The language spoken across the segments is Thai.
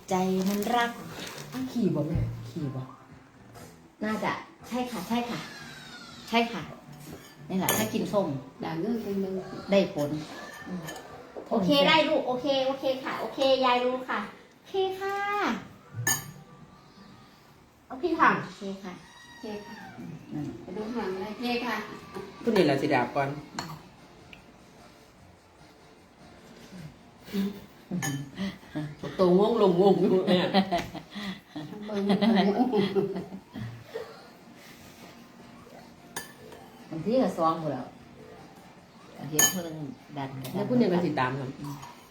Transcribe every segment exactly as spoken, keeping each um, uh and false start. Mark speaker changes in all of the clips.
Speaker 1: ใจมันรัก
Speaker 2: ขี่บ่แม่ขี่บ่
Speaker 1: น่าจะใช่ค่ะใช่ค่ะ ใช่ค่ะนี่แหละถ้ากินส้ม
Speaker 3: ด่าเงื่อนเป็นเมือง
Speaker 1: ได้ผลโอเคได้ลูกโอเคโอเคค่ะ โอเคยายรู้ค่ะโอเคค่ะ
Speaker 2: เอาพี่ค่ะ
Speaker 1: โอเคค่ะ
Speaker 3: เจ๊ค่ะไปดูหางอะไรเจ๊ค่ะ
Speaker 2: คุณนี่แหละสิดาบก่อนตัวงงลงงงอยู่เนี่ย
Speaker 3: เบิ่ง
Speaker 1: บางทีก็ซองหมดแล้วเห็นเพิ่งดัน
Speaker 2: แล้วคุณนี่ก็สิตามกัน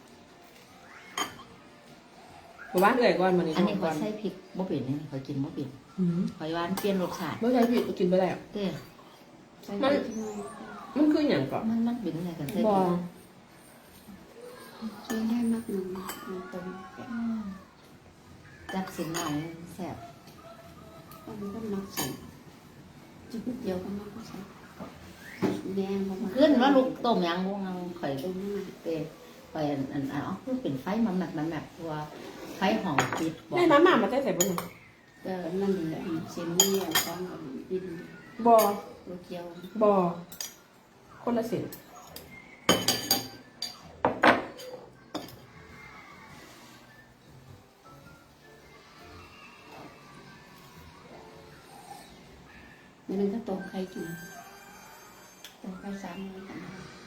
Speaker 2: เพราะว่าเอื่อยก่อนมันนี่
Speaker 1: อันนี้
Speaker 2: ก่
Speaker 1: เขา
Speaker 2: อน
Speaker 1: ใส่พริกบ่เปลี่ยนนี่เขากินบ่เปลี่ยนหอยหวานเปลี่ยนรสชาติ
Speaker 2: เมื่อใช้ผิดกินไปแล้ว
Speaker 1: เต้
Speaker 3: ใส่ไปที่ไหน
Speaker 2: มันคืออย่างก่อน
Speaker 1: มันมันเป็นอะไรกันใส่
Speaker 2: บ
Speaker 1: พ
Speaker 2: อ
Speaker 1: ริก
Speaker 3: เจ๊ให้มากหนึ่งมันตรง
Speaker 1: จับสินหน่อยแซ่บ
Speaker 3: มันก็มักใส่จุดเดียวก็มักใส่แดงประมาณ
Speaker 1: ขึ้นว่าลูกต้มยังวงเอาข่อย
Speaker 3: ตรงนั้น
Speaker 1: เต้ไปอันอันอ๋อคือเป็นไฟมันแบบมันแบบตัวไฟหอมปิดบอก
Speaker 2: ได้น้ำหมามาได้ใส่บุญ
Speaker 3: ก็นั่นแหละเส้นนี้ต้องดิน
Speaker 2: บอ
Speaker 3: โลเกียว
Speaker 2: บอคนละเส้น
Speaker 3: มันก็ตรงใครกินตรงใครสามเลยกัน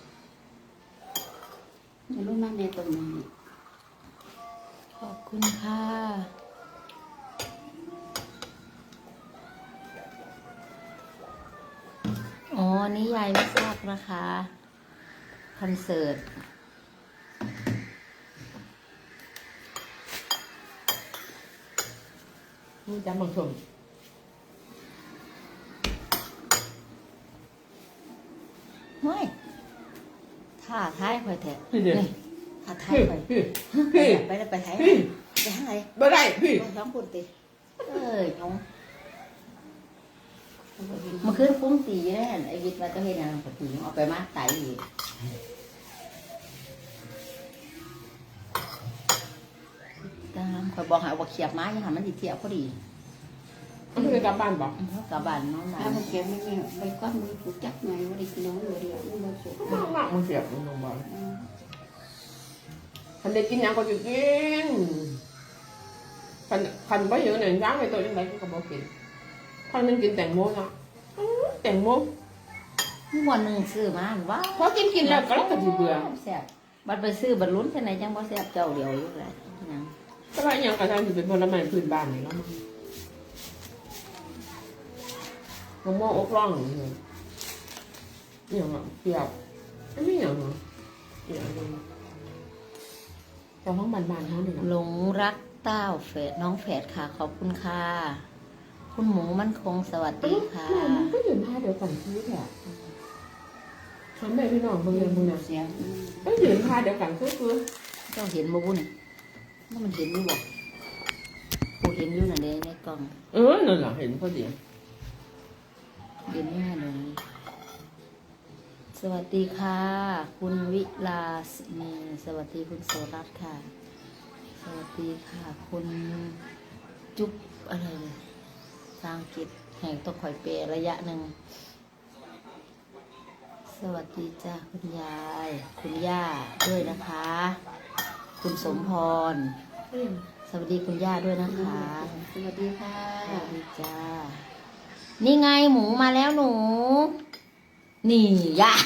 Speaker 3: ไม่รู้มากในตรงนี้
Speaker 1: ขอบคุณค่ะอ๋อนี่ยายไม่ทราบนะคะคอนเสิร์ต
Speaker 2: นี่จำบางชม
Speaker 1: เฮ้ยท่าท้ายข่อยแทะ
Speaker 2: พี่เดี๋ยว
Speaker 1: นี่ท่าท้าย
Speaker 2: พี่
Speaker 1: ข่อย
Speaker 2: พี่
Speaker 1: ไป
Speaker 2: พี่
Speaker 1: ไปไปไทย
Speaker 2: พี่
Speaker 1: ไปทางไหน
Speaker 2: บ่ได้พี่
Speaker 1: ไปท้องปุ่นติเอ้ยน้องมันขึ้นปุ้งตีแน่ไอ้วิทย์ว่าจะเห็นอะไรกับตีเอาไปมาไตอีกตามข่อยบอกหาว่าเขียบไม้ยังหามันติเทียบพอดี
Speaker 2: มันคือกลับบ้านบอก
Speaker 1: เพราะกลับบ้านน้องมา
Speaker 3: ถ้ามันเก็บไม่เนี่ยไปก้อนมือถูกจับไงว่าได้กินน้องอยู่เดียวมันมาสุก
Speaker 2: มากมากมันเสียบมันลงบอลคันได้กินยังก็จะกินคันคันบ่เยอะหนึ่งร้างไปตัวยังไงก็บ่กินคันมันกินแตงโมเนาะแตงโม
Speaker 1: วันหนึ่งซื้อมาว้า
Speaker 2: พอกินกินแล้วก็แล้วก็สิเบื่อ
Speaker 1: แซ่บบัดไปซื้อบัดลุ้นแค่ไหนจังบ่แซ่บเจ้าเดียวอยู่แหละยัง
Speaker 2: แต่ว่าอย่างกระทั่งสิเป็นผลไม้พื้นบ้านนี่เนาะมะม่วงอกร่องนี่อย่างอ่ะเปรี้ยวไม่อย่างเนาะอย่างแต่ห้องบ้านๆเขาเนี่ย
Speaker 1: หลงรักเต้าแฝดน้องแฝดค่ะขอบคุณค่ะ คุณหมูมั่นคงสวัสดีค่ะ
Speaker 2: มันก็ยืนท่าเดียวกันที่แหละฉันแม่พี่น้องเบิ่งยังเบิ่งนะ
Speaker 3: เสียง
Speaker 2: ก็ยืนท่าเดียวกันคือคือ
Speaker 1: เจ้าเห็นบ่บุนี่ว่ามันเห็นอยู่บ่กูเห็นอยู่น่ะเด้ในกล่อง
Speaker 2: เออนั่นแหละเห็นพอดี
Speaker 1: เห็นอยู่น่ะเลยสวัสดีค่ะ คุณวิลาสนีสวัสดีคุณโสรัตน์ค่ะ สวัสดีค่ะ คุณจุ๊บอะไรเลยสร้างกิจแห่งต้องคอยเปรระยะหนึ่งสวัสดีจ้าคุณยาย คุณย่าด้วยนะคะ คุณสมพร สวัสดีคุณย่าด้วยนะคะ
Speaker 3: สวัสดีค่ะ
Speaker 1: สวัสดีจ้า นี่ไงหมูมาแล้วหนู นี่ย่า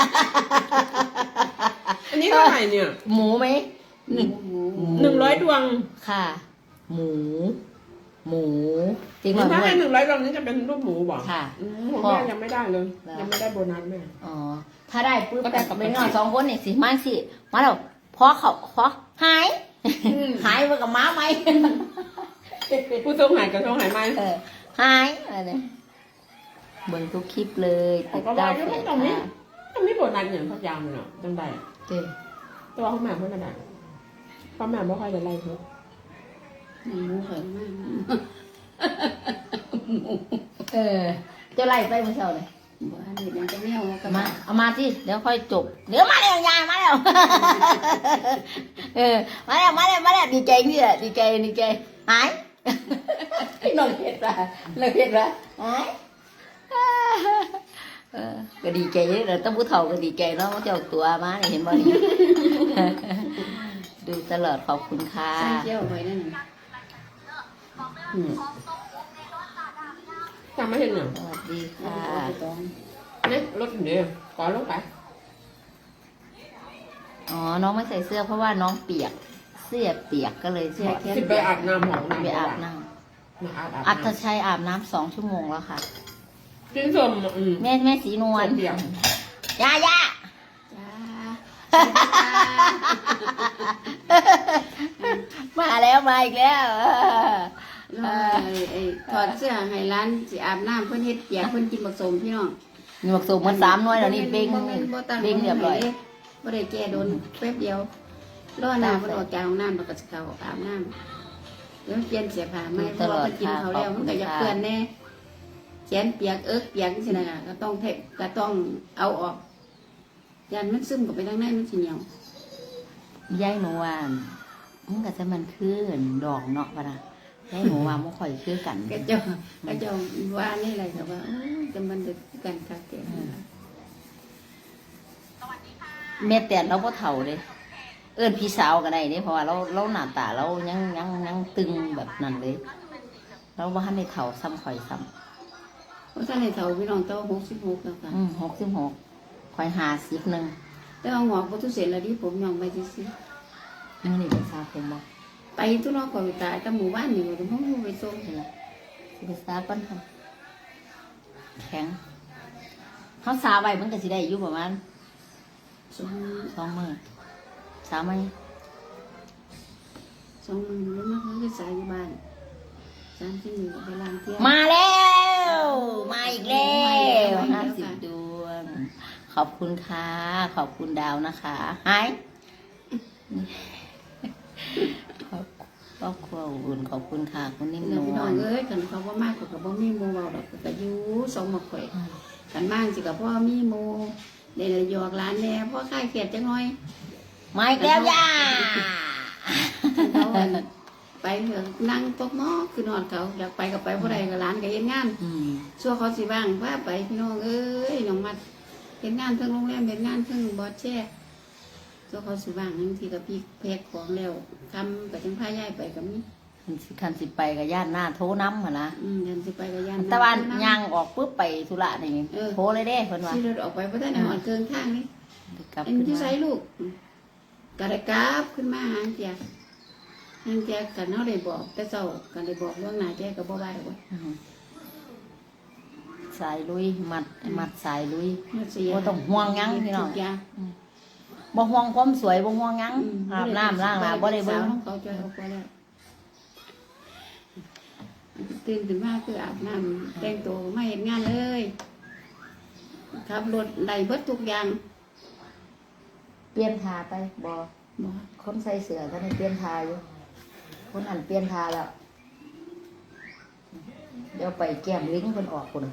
Speaker 2: อันนี้เท่าไหร่เนี่ย
Speaker 1: หมูไหม
Speaker 3: หมูหมู
Speaker 2: หนึ่งร้อยดวง
Speaker 1: ค่ะ หมู หมูจริงเหรอ
Speaker 2: ถ้า
Speaker 1: ด้ว
Speaker 2: ให้
Speaker 1: ย
Speaker 2: หนึ่งร้อยดวงนี้จะเป็นรูปหมูบอก
Speaker 1: ค่ะ
Speaker 2: ผมแม่ยังไม่ได้เลย ยังไม่ได้โบนัสแม่
Speaker 1: อ๋อ ถ้าได้ปุ๊บ
Speaker 2: ก็ได้
Speaker 1: แต่
Speaker 2: กับ
Speaker 1: เป็น
Speaker 2: บัญชี
Speaker 1: นอนสองคนเนี่ยสิมาสิ มาแล้วพอเขาพอหาย หายไปกับม้าไหม
Speaker 2: ผู้ทรงหายกับทรงหายไหม
Speaker 1: เออ หายอะไรเนี่ยเบิ่งทุกคลิปเลยติดตามเพจ
Speaker 2: ตรงนี้
Speaker 1: ค่ะ
Speaker 2: ต้องมีโบนัสอย่างพักยาวเลยเนาะจังได้
Speaker 1: เจ้
Speaker 2: ตัวเขาแม่เพื่อนกันได้เพราะแม่ไม่ค่อยได้ไล่เธอ
Speaker 3: หมูเหยมาก
Speaker 1: เออเจะไล่ไปเมื่อเช้าเลย
Speaker 2: ม
Speaker 3: บ่อันนี้มันจะแนวก็
Speaker 1: มาเอามาที่เดี๋ยวค่อยจบเดี๋ยวมาแล้วยายมาแล้ว เออมาแล้วมาแล้วมาแล้วดีใจนี่แหละดีใจดีใจหาย น้องเห็ดละน้องเห็ดละหายเออก็ดีใจเลยเราต้องผู้เฒ่าก็ดีใจเนาะเจ้าตัวมาเนี่ยเห็นบ่นี่ ดูตลอดขอบคุณค่ะ
Speaker 3: ใส่เจียวไว้นั่นน่ะอืม
Speaker 2: จำไม่เห็นหรอ
Speaker 1: สวัสดี
Speaker 3: เอา
Speaker 1: ค่ะ
Speaker 3: ไปตอง
Speaker 2: เนี่ยรถเดียวก่อนรถไป
Speaker 1: อ๋อน้องไม่ใส่เสื้อเพราะว่าน้องเปียกเสื้อเปียกก็เลยถอด
Speaker 2: สิไปอาบน้ำหอมน้ำ
Speaker 1: ไปอาบน้
Speaker 2: มาอาบอาบ
Speaker 1: ำอัตชัยอาบน้ำสองชั่วโมงแล้วค่ะ
Speaker 2: กินสมอืม
Speaker 1: แม่แม่สีนวล
Speaker 2: เดียว
Speaker 1: ย่าย่า
Speaker 3: จ้า
Speaker 1: มาแล้วมาอีกแล้ว
Speaker 3: น้องไอ้ไอ้ถอดเสื้อให้ร้านสิอาบน้ำเพิ่นเฮ็ดเปียกเพิ่นกินบักสมพี่น้อง
Speaker 1: มีหมวกสูงมันสามหน้อยแล้วนี่เบ้ง
Speaker 3: บ่แม่นบ่ตั้ง
Speaker 1: เบ้งเรียบร้อย
Speaker 3: บ่ได้แก้โดนแป๊บเดียวรอหน้าเพิ่นออกจากห้องน้ำแล้วก็สิเข้าอาบน้ำแล้วเปลี่ยนเสื้อผ้าใหม่เพราะว่าเพิ่นกินเขาวแล้วมันก็อยากเปื้อนแน่แขนเปียกเอิกเปียกจังซี่น่ะก็ต้องเทก็ต้องเอาออกยันมันซึมเข้าไปทางในมันสิเหนียว
Speaker 1: ยายหนูว่ามันก็จะมันคือดอกเนาะปะนะยายหนูว่ามันค่อยคือกัน
Speaker 3: ก็เจ้าก็เจ้าว่านี่แหละก็ว่าโอ้ยจะมันดึกกันคักแก่
Speaker 1: แม่แต่เราก็เฒ่าเลยเอิ้นพี่สาวก็ได้เด้เพราะว่าเราเราหน้าตาเรายังยังยังตึงแบบนั้นเลย เราว่าให้ในเฒ่าซ้ำข่อยซ้
Speaker 3: เพราะท่านในเฒ่าพี่น้องเต้าหกสิบหกแล้วค่ะ
Speaker 1: ำอืมหกสิบหกข่อยหาสิบหนึ่ง
Speaker 3: แต่เอาหงอกบ่ทุเสร็จแล้วดิผมยองไปซื่อ
Speaker 1: นี่นี่เป็นซาผมบอก
Speaker 3: ๆไปทุนอกก่อนตายแต่หมู่บ้านนี่บ่ต้องไปส่ง
Speaker 1: เห็นละสิเป็นซาปั้นค่ะแข็งเขาซาไว้มันก็สิได้อยู่ประมาณ
Speaker 3: สอง
Speaker 1: สองมือสามมือ
Speaker 3: สองมื้อแล้วมาคือสายอยู่บ้านสามที่นี่ไปล้างเที่ยว
Speaker 1: มาแล้วมาอีกแล้วห้าสิบดวง ขอบคุณค่ะ ขอบคุณดาวนะคะหายขอบครอบครัวอุ่นขอบคุณค่ะคุณนิ่ม
Speaker 3: เดี๋
Speaker 1: น
Speaker 3: ยวพี่
Speaker 1: ว
Speaker 3: น้อง
Speaker 1: ล
Speaker 3: เอ้ยกันเขาบ่มากก็ก็บ่มีหมู่เว้าดอกก็อยู่สองหมกข่อยกันมากสิก็พ่อมีหมู่ได้ละหยอกหลานแน่พ่อคลายเครียดจังหน่อย
Speaker 1: มาอีกแล้วย่า
Speaker 3: เขาอั่นไปเถอะนั่งตกหม้อคือนอนเขาอยากไปก็ไปบ่ได้ก็หลานก็เฮ็ดงาน
Speaker 1: อืม
Speaker 3: ชั่วเขาสิบ้างพาไปพี่น้องเอ้ยน้องมัดเฮ็ดงานเทั้งโรงแรมเฮ็ดงานเทั้งบอสแช่ชั่วเขาสิบ้างบางทีก็พี่แพ็คของแล้วคำก็จังพาย้ายไปก็มี
Speaker 1: คันสิคันสิไปกับย่านหน้าโทรน้ำหั่นนะ
Speaker 3: อืมยันสิไปก็ยัน
Speaker 1: ตะวันย่างออกปุ๊บไปธุระนี่
Speaker 3: เออ
Speaker 1: โทรเลยเด้เพิ่นว่า
Speaker 3: ขี่รถออกไปบ่ทันได้ฮอดเกินทางนี่
Speaker 1: กลับ
Speaker 3: เอ็น
Speaker 1: ขึ้น
Speaker 3: อยู่
Speaker 1: มา
Speaker 3: ไสลูกก็ได้กลับขึ้นมาหาเจียหางเจียกันเฮาได้บอก แต่เช้ากันได้บอกล่วงหน้าแจ้ก็บ่ว่าดอกว่า
Speaker 1: อืมสายลุยมัดมัดสายลุย
Speaker 3: มันเสีย
Speaker 1: บ่ต้องห่วงหยังพี่น้อง
Speaker 3: ทุกย่าง
Speaker 1: บ่ห่วงความสวยบ่ห่วงหยัง
Speaker 3: อืม
Speaker 1: อาบน้ำล้างหน้าบ่ได้เบิ่ง
Speaker 3: สาวของเขาจอยเอาไปแล้วตื่นขึ้นมาคืออาบน้ำแต่งตัวมาเห็นงานเลยขับรถได้เบิดทุกอย่าง
Speaker 1: เปลี่ยนทาไปบ่
Speaker 3: บ่
Speaker 1: คนใส่เสื้อท่านนี่เปลี่ยนทาอยู่ คนอันเปลี่ยนทาแล้ว เดี๋ยวไปแก้มลิงเพิ่นออกพุ่น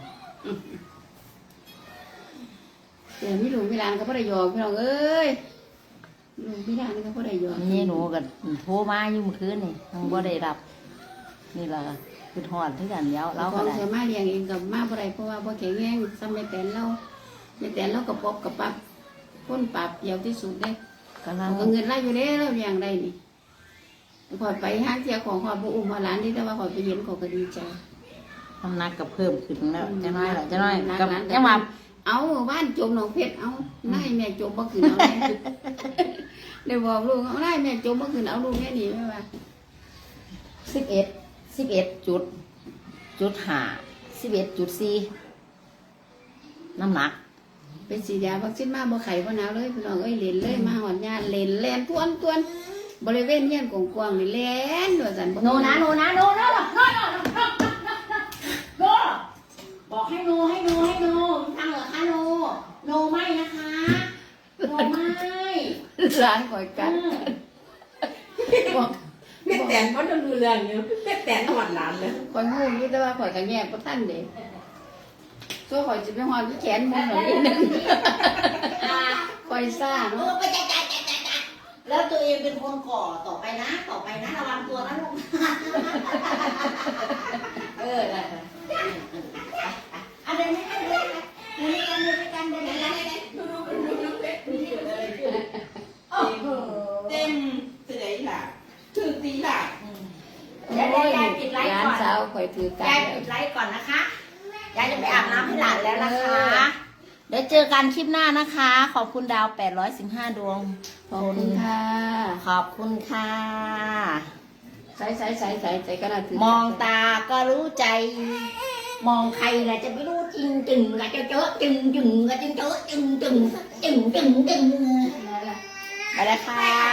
Speaker 3: เดี๋ยวมีหลวงมีหลานก็บ่ได้ยอมพี่น้องเอ้ยหลวงมีหลานก็บ่ได้ยอม
Speaker 1: นี่หนูก็โทรมาอยู่เมื่อคืนนี่ยังบ่ได้รับ นี่ล่ะคือฮอดคือกันแล้วเรา
Speaker 3: เรา
Speaker 1: ก็
Speaker 3: ก็
Speaker 1: ได้
Speaker 3: สามารถเลี้ยงเองกับมาบ่ได้เพราะว่าบ่แข็งแรงซ้ำแม่แตนเราแม่แตนเราก็ปอบกับปับคนปราบเดียวที่สุดเด้
Speaker 1: กำลัง
Speaker 3: เอาเงินไล่อยู่เด้เราเลี้ยงได้นี่ขอยไปหาเสียของขอยบ่อุ้มมาหลานนี่แต่ว่าขอยไปเห็นขอยก็ดีใจ
Speaker 1: น้ำหนักก็เพิ่มขึ้นแล้วจะน้อยละจะน้อย
Speaker 3: หนัก
Speaker 1: กับ
Speaker 3: หลาน
Speaker 1: ยังว่า
Speaker 3: เอาบ้านจมหนองเพชรเอานายแม่จมบ่ขึ้นเอาแน่ ได้บอกลูกเอานายแม่จมบ่ขึ้นเอาลูกแม่นี่แม่ว่า
Speaker 1: สิบเอ็ดสิบเอ็ดจุด จุดห้าสิบเอ็ดจุดสี่น้ำหนัก
Speaker 3: เป็นสีดยาวัคซีนมาบ่ไข้บ่หนาวเลยพี่น้องเอ้ยเล่นเลยมาหอดญาติเล่นแล่นทวนทวนบริเวณเฮียนกว้างๆนี่แล่นว่าซั่นบ่
Speaker 1: โนนะโนนะโนนะโนนะโนนะโนบอกให้โนให้โนให้โนทางเหรอคะโนโนไม่นะคะโนไม่
Speaker 3: ร้านข่อยกัดบอก
Speaker 2: แม่แตนเขาจะดูเรื่องอยู่แม่แตนหอดหลานเลย
Speaker 3: ข่อยงูอยู่แต่ว่าข่อยก็แยกบ่ทันเด้ตัวข่อยจะไปหอนที่แขนมันหน่อยนิดนึงข่อยซ่า
Speaker 4: เอ
Speaker 3: เนาะ
Speaker 4: อไปจัดจัดจัดจัดจัดแล้วตัวเองเป็นคนก่อต่อไปนะ ต่อไปนะระวังตัวนะลูก
Speaker 3: เออได้
Speaker 4: อันเดินให้กันเดินให้กันเดินให้กันเดินให้กันเดินให้กันดูดูดูดูดูดูที่เกิดอะไรขึ้นโอ้โห
Speaker 2: เต็มสิได้ล่ะถึงตีล่ะ
Speaker 4: เดี๋ยวเดี๋ยวยายปิดไลฟ์
Speaker 3: ร้าน
Speaker 4: ก่อน
Speaker 3: สาวข่อยถือกั
Speaker 4: ยาย
Speaker 3: น
Speaker 4: ปิดไลฟ์ก่อนนะคะ ยายจะไปอาบน้ำให้หลานแล้วนะคะ เดี๋ยวเจอกันคลิปหน้านะคะ ขอบคุณดาวแปดร้อยสิบห้าดวง
Speaker 3: ขอบคุณค่ะ
Speaker 4: ขอบคุณค่ะ
Speaker 3: ใส่ใส่ใส่ใส่ใส่กระดาษถื
Speaker 4: มองตาก็รู้ใจ มองใครแหละจะไม่รู้จริงจึงกะเจอเจอจึงจึงกะจึงเจอจึงจึงจึงจึงจึง
Speaker 3: ได้ละ
Speaker 4: ไปแล้วค่ะ